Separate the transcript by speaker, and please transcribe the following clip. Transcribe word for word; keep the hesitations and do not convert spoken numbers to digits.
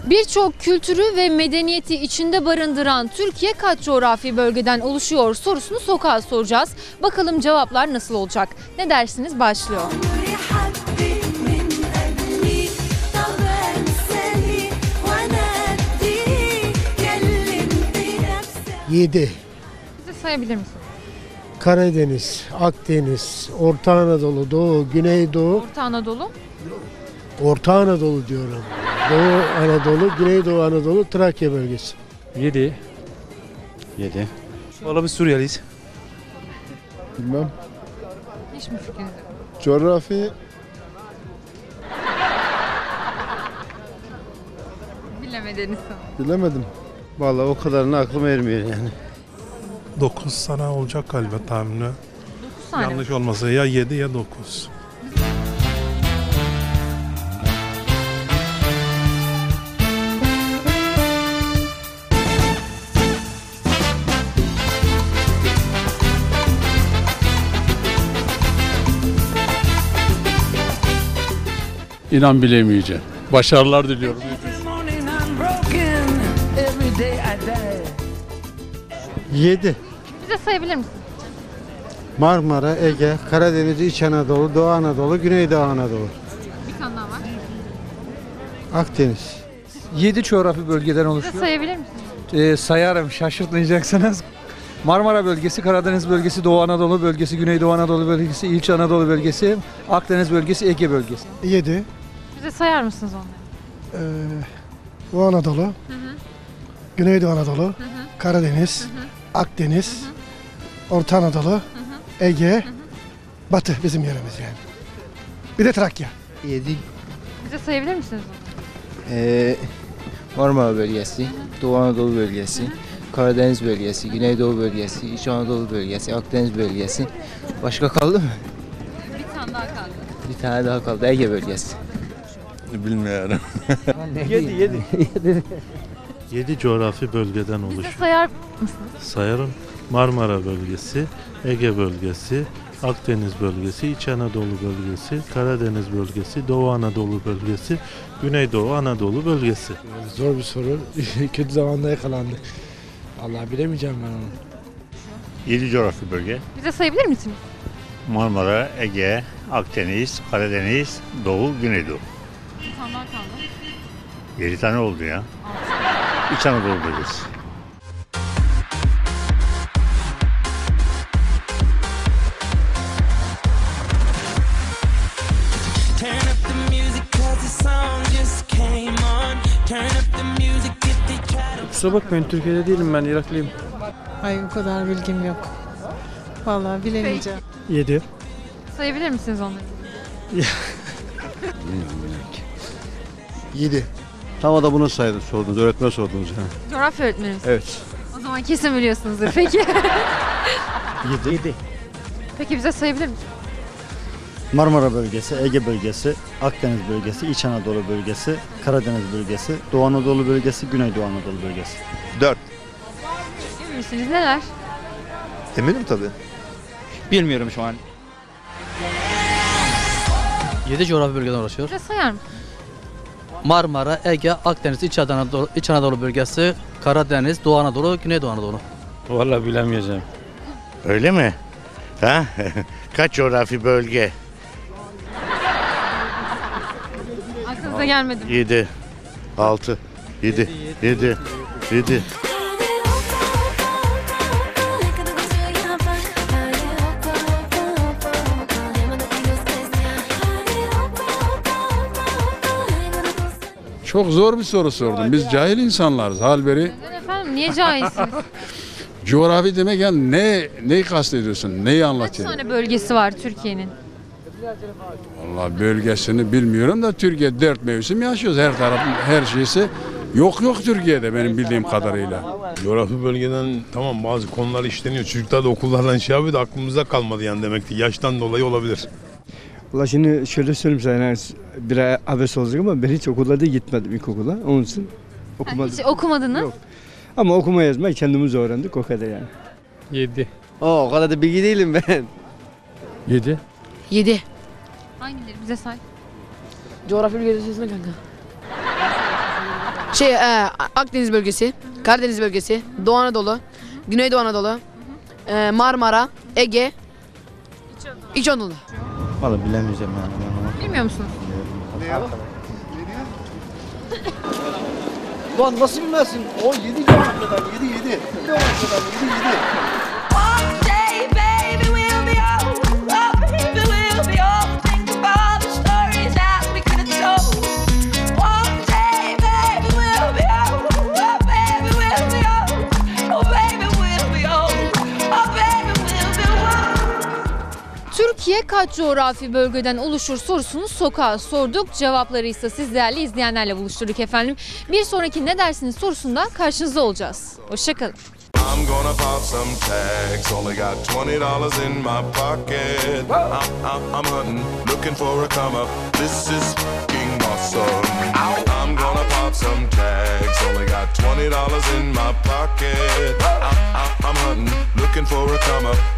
Speaker 1: Birçok kültürü ve medeniyeti içinde barındıran Türkiye kaç coğrafi bölgeden oluşuyor sorusunu sokağa soracağız. Bakalım cevaplar nasıl olacak? Ne dersiniz? Başlıyor.
Speaker 2: Yedi.
Speaker 1: Bize sayabilir misiniz?
Speaker 2: Karadeniz, Akdeniz, Orta Anadolu, Doğu, Güneydoğu,
Speaker 1: Orta Anadolu.
Speaker 2: Orta Anadolu diyorum. Doğu Anadolu, Güneydoğu Anadolu, Trakya bölgesi.
Speaker 3: Yedi. Yedi. Valla biz Suriyeliyiz.
Speaker 4: Bilmem.
Speaker 1: Hiç mi fikriniz yok?
Speaker 4: Coğrafi
Speaker 1: Bilemediniz.
Speaker 4: bilemedim.
Speaker 3: Valla o kadarını aklım ermiyor yani.
Speaker 5: dokuz tane olacak galiba tahmini.
Speaker 1: dokuz tane.
Speaker 5: Yanlış olmasa ya yedi ya dokuz.
Speaker 6: İnan bilemeyeceğim. Başarılar diliyorum.
Speaker 3: Yedi.
Speaker 1: Bize sayabilir misiniz?
Speaker 3: Marmara, Ege, Karadeniz, İç Anadolu, Doğu Anadolu, Güneydoğu Anadolu.
Speaker 1: Bir tane daha var.
Speaker 3: Akdeniz.
Speaker 7: yedi coğrafi bölgeden
Speaker 1: Bize
Speaker 7: oluşuyor.
Speaker 1: sayabilir misiniz?
Speaker 7: Ee, sayarım, şaşırtmayacaksınız. Marmara bölgesi, Karadeniz bölgesi, Doğu Anadolu bölgesi, Güneydoğu Anadolu bölgesi, İç Anadolu bölgesi, Akdeniz bölgesi, Ege bölgesi.
Speaker 2: Yedi.
Speaker 1: Bize sayar mısınız onları?
Speaker 2: Ee, Doğu Anadolu,
Speaker 1: Hı hı.
Speaker 2: Güneydoğu Anadolu,
Speaker 1: Hı hı.
Speaker 2: Karadeniz,
Speaker 1: Hı hı.
Speaker 2: Akdeniz, Orta Anadolu,
Speaker 1: Hı hı.
Speaker 2: Ege, Batı bizim yerimiz yani. Bir de Trakya.
Speaker 3: Yedi.
Speaker 1: Bize sayabilir misiniz onları?
Speaker 8: Ee, Marmara bölgesi, Doğu Anadolu bölgesi, Karadeniz bölgesi, Güneydoğu bölgesi, İç Anadolu bölgesi, Akdeniz bölgesi. Başka kaldı mı?
Speaker 1: Bir tane daha kaldı.
Speaker 8: Bir tane daha kaldı. Ege bölgesi.
Speaker 5: Bilmiyorum.
Speaker 7: yedi, yedi.
Speaker 5: yedi coğrafi bölgeden
Speaker 1: Bize
Speaker 5: oluşuyor.
Speaker 1: sayar mısınız?
Speaker 5: Sayarım. Marmara bölgesi, Ege bölgesi, Akdeniz bölgesi, İç Anadolu bölgesi, Karadeniz bölgesi, Doğu Anadolu bölgesi, Güneydoğu Anadolu bölgesi.
Speaker 2: Zor bir soru. Kötü zamanda yakalandık. Vallahi bilemeyeceğim ben onu.
Speaker 9: yedi coğrafi bölge.
Speaker 1: Bize sayabilir misiniz?
Speaker 9: Marmara, Ege, Akdeniz, Karadeniz, Doğu, Güneydoğu.
Speaker 1: Bir tane daha kaldı.
Speaker 9: yedi tane oldu ya. İç Anadolu bölgesi.
Speaker 3: Kusura bakmayın, Türkiye'de değilim ben, Iraklıyım.
Speaker 10: Ay o kadar bilgim yok. Vallahi bilemeyeceğim.
Speaker 2: Yedi.
Speaker 1: Sayabilir misiniz onları?
Speaker 2: Yedi.
Speaker 3: Tam da bunu saydım, sordunuz, öğretmen sordunuz. Ha.
Speaker 1: Coğrafya öğretmenimiz.
Speaker 3: Evet.
Speaker 1: O zaman kesin biliyorsunuzdur. Peki.
Speaker 3: Yedi. Yedi.
Speaker 1: Peki bize sayabilir misiniz?
Speaker 11: Marmara bölgesi, Ege bölgesi, Akdeniz bölgesi, İç Anadolu bölgesi, Karadeniz bölgesi, Doğu Anadolu bölgesi, Güneydoğu Anadolu bölgesi.
Speaker 4: dört.
Speaker 1: Emin misiniz? Neler?
Speaker 4: Eminim tabii.
Speaker 8: Bilmiyorum şu an.
Speaker 12: yedi coğrafi bölgeden oluşuyor.
Speaker 1: Bize sayar mısınız?
Speaker 12: Marmara, Ege, Akdeniz, İç Anadolu, İç Anadolu bölgesi, Karadeniz, Doğu Anadolu, Güneydoğu Anadolu.
Speaker 3: Valla bilemeyeceğim.
Speaker 9: Öyle mi? Ha? Kaç coğrafi bölge?
Speaker 1: Aklınıza gelmedi mi?
Speaker 9: yedi, altı, yedi, yedi, yedi.
Speaker 6: Çok zor bir soru sordun. Biz cahil insanlarız. Halberi
Speaker 1: Neden efendim? Niye cahilsiniz?
Speaker 6: coğrafi demek yani ne neyi kastediyorsun? Neyi
Speaker 1: Kaç
Speaker 6: anlatıyorsun?
Speaker 1: tane bölgesi var Türkiye'nin?
Speaker 6: Vallahi bölgesini bilmiyorum da Türkiye dört mevsim yaşıyoruz. Her tarafın her şeysi yok yok Türkiye'de benim bildiğim kadarıyla.
Speaker 5: Coğrafi bölgeden tamam bazı konular işleniyor. Çocuklar da okullardan şey yapıyor da aklımıza kalmadı yani demek ki. Yaştan dolayı olabilir.
Speaker 7: Valla şimdi şöyle söyleyeyim sana, yani bir ay abes olacak ama ben hiç okullarda gitmedim ilkokula. Onun için
Speaker 1: Ha,
Speaker 7: okumadım.
Speaker 1: hiç okumadınız.
Speaker 7: Yok. Ama okuma yazma kendimiz öğrendik, o kadar yani.
Speaker 3: Yedi.
Speaker 8: Oo, o kadar da bilgi değilim ben.
Speaker 3: Yedi.
Speaker 10: yedi.
Speaker 1: Hangileri? Bize say.
Speaker 10: Coğrafya bölgesi kanka.
Speaker 13: Şey, e, Akdeniz bölgesi, Karadeniz bölgesi, Doğu Anadolu, Güneydoğu Anadolu, e, Marmara, Ege, İç Anadolu.
Speaker 11: Vallahi bilemeyeceğim yani.
Speaker 1: Bilmiyor musunuz?
Speaker 2: Lan nasıl bilmezsin? O yedi cevap kadar, yedi yedi. Cevap kadar, yedi yedi.
Speaker 1: Türkiye kaç coğrafi bölgeden oluşur sorusunu sokağa sorduk. Cevapları ise siz değerli izleyenlerle buluşturduk efendim. Bir sonraki ne dersiniz sorusunda karşınızda olacağız. Hoşçakalın.
Speaker 14: I'm gonna pop some tags. Only got twenty dollars in my pocket. I'm, I'm, I'm hunting, looking for a come up. This is f***ing awesome. I'm gonna pop some tags. Only got twenty dollars in my pocket. I'm, I'm, I'm hunting, looking for a come up.